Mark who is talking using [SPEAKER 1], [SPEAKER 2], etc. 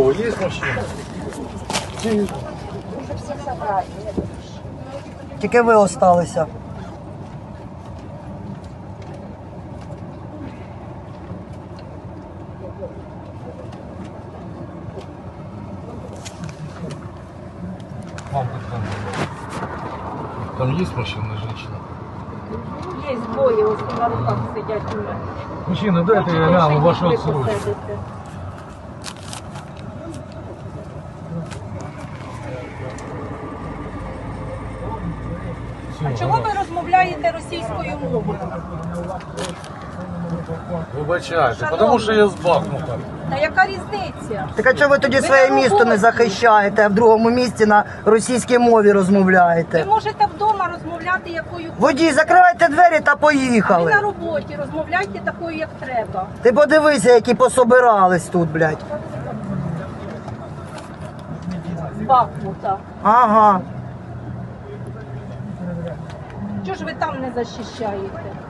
[SPEAKER 1] кого есть машина?
[SPEAKER 2] Тільки ви осталися.
[SPEAKER 1] Мамка там есть машина, женщина?
[SPEAKER 3] Є двоє, ось на руках сидять у мене.
[SPEAKER 1] Мужчина, дайте я гляну вашу отсрочку.
[SPEAKER 3] А чого ви розмовляєте російською мовою?
[SPEAKER 1] Вибачайте, тому що я з Бахмута.
[SPEAKER 3] Та яка різниця?
[SPEAKER 2] Так а чого ви тоді
[SPEAKER 3] Ви
[SPEAKER 2] своє
[SPEAKER 3] на
[SPEAKER 2] місто не
[SPEAKER 3] роботі.
[SPEAKER 2] захищаєте, а в другому місті на російській мові
[SPEAKER 3] Ви
[SPEAKER 2] розмовляєте?
[SPEAKER 3] можете вдома розмовляти якою
[SPEAKER 2] Водій, закривайте двері та
[SPEAKER 3] ви
[SPEAKER 2] поїхали.
[SPEAKER 3] на роботі, розмовляйте такою, як треба.
[SPEAKER 2] Ти подивися, які пособирались тут, блядь.
[SPEAKER 3] З Бахмута.
[SPEAKER 2] Ага.
[SPEAKER 3] Чого ж ви там не захищаєте?